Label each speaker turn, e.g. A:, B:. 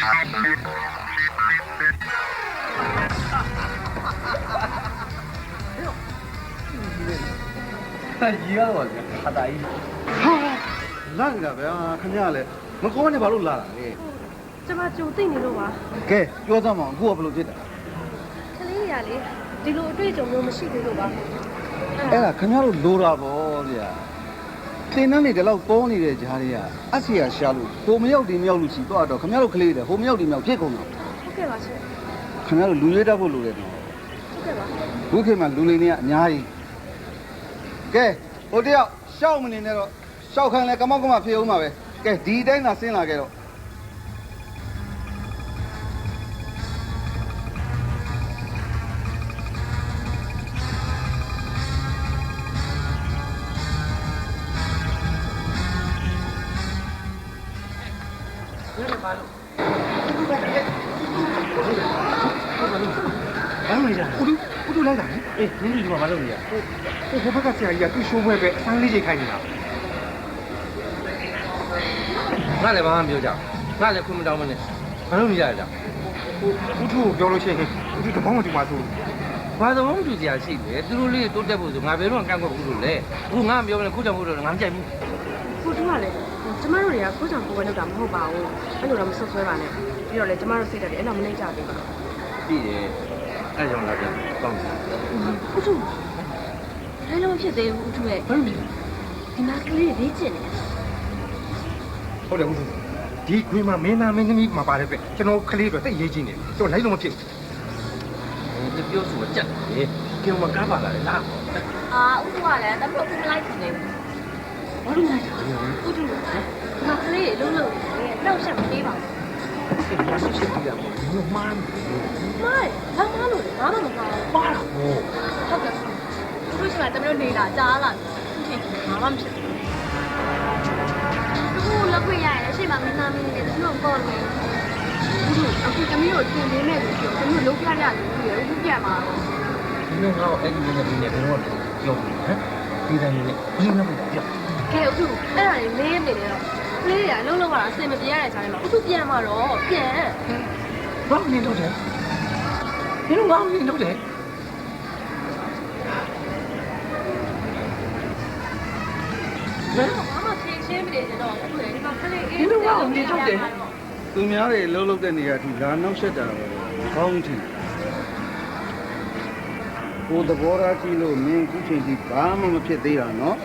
A: ကြီးရတော့ခါတာကြီး
B: ဟာလာနေတာဗျာခင်ဗျားလည်းမကောနဲ့ဘာလို့လာတာလဲ
C: ကျမကြုံသိနေလို့ပါ
B: ကဲပြောစမ်းမအောင်အခုကဘယ်လိုဖြစ်တာ
C: ကလေးရလေဒီလိုအတွေ့အကြုံမျိုးမရှိသေးလို့ပါ
B: အဲ့ဒါခင်ဗျားတို့လိုတာပေါ့ဗျာသင်တန်းတွေဒီလောက်ပေါ်နေတဲ့ဂျားတွေကအဆီယာရှာလို့ဟိုမရောက်ဒီမရောက်လို့ရှိတော့ခင်ဗျားတို့ကလေးတွေဟိုမရောက်ဒီမရောက်ဖြစ်ကုန်တော့
C: ဟုတ်ကဲ့ပါရှင်
B: ခင်ဗျားတို့လူရွေးတတ်ဖို့လိုတယ်နော်
C: ဟုတ်ကဲ့ပါ
B: ဘုခေတ်မှာလူလိမ်တွေကအများကြီးကဲဟိုတယောက်ရှောက်မနေနဲ့တော့ရှောက်ခံလဲကမောက်ကမဖြစ်အောင်ပါပဲကဲဒီတိုင်းသာဆင်းလာခဲ့တော့
A: ဘာလို့လဲဦးတူလိုက်တာအေးနင်းဒီမှာမလုပ်နေရဟိုဘက်ကဆရာကြီးကသူ့ရှိုးပွဲပဲအဆန်းလေးချိန်ခိုင်းနေတာငါလည်းဘာမှမပြောကြငါလည်းခွင့်မတောင်းမနဲ့ဘာလို့နေရလဲဦးတူကိုပြောလို့ရှိရင်ဦးတူတပေါင်းမတူပါဆိုဘာသဘောမတူစရာရှိလဲသူတို့လေးတိုးတက်ဖို့ဆိုငါဘယ်တော့မှကန့်ကွက်ဘူးလို့လေအခုငါမပြောမနဲ့ခုကြောင့်မို့လို့ငါမကြိုက်ဘူး
C: ကိုတူကလည်းကျမတို့တွေကကိုကြောင့်ကိုယ်ပဲလုပ်တာမဟုတ်ပါဘူးအဲ့လိုတော့မဆွဆွဲပါနဲ့ပြီးတော့လေကျမတို့စိတ်ဓာတ်တွေအဲ့လိုမနှိမ့်ကြသေးပါဘူး
A: ပြီးတယ်အဲ့ကြောင့်လာပြန်ကောင်းတယ်
C: ဦးတူလည်းလုံးဖြစ်သေးဘူးဦးတူရဲ့
A: ဘာလို့လဲ
C: ဒီနာကလေးလေးကျင်နေ
A: ဟုတ်တယ်ဦးတူဒီခွေးမှာမင်းသားမင်းသမီးမှာပါတယ်ပဲကျွန်တော်ကလေးတွေတိတ်ရေးချင်းနေကျွန်တော်လိုက်လို့မဖြစ်ဘူးဒီပြောဆိုကြက်တယ်ကျန်မကားပါလာလေလား
C: ဦးတူကလည်းတမလို့မလိုက်နေဘူးဘာလို့လိုက်တာဦးတူဒီနာကလေးလုံးလုံးနောက်ဆက်မပေးပါဘူး
A: ဒီရရှိရှိပြရမယ်ဘယ်မှား
C: မိုင်းဘာမှလို့ဘာမှမကောင်း
A: ပါတော့
C: ဟုတ်ကဲ့သူတို့ကတမလို့နေတာကြားလာတယ်ဘာမှမဖြစ်ဘူးသူလောက်ခွင့်ရရင်ရှေ့မှာမင်းသားမင်းနဲ့သူတို့ပေါ်နေဘူးအခုတမီးကိုတင်ပေးမဲ့လို့ပြောတမီးကိုလုံးပြရတယ်ပြီးရအခုပြန်มา
A: ဒီလိုငါ့ကိုအဲ့ဒီနဲ့ဘယ်နဲ့ဘယ်တော့ပြောပြီးဟမ်ဒီတိုင်းနဲ့ဘင်းနဲ့ပြော
C: ကဲအခုအဲ့ဒါလေးလေးနေတော့ကလေးတွေကလုံးလုံးကအစင်မပြေရတဲ့ခြားထဲမှာအခုပြန်มาတော့ပြန်
A: ဘာနေတော့တယ်ဒီလိုငါ့ကိုနေတော့တယ်
C: ဘာမှဖြေရှင်းမနေကြတော့အခုလေဒီမှာကလေးအေး
A: ဒီလိုငါ့ကိုနေတော့တယ်
B: သူများတွေလှုပ်လှုပ်တဲ့နေရာထိလာနောက်ဆက်တာပဲကောင်းချင်ကိုသဘောထားကြည့်လို့မင်းအခုချိန်ထိဘာမှမဖြစ်သေးတာနော်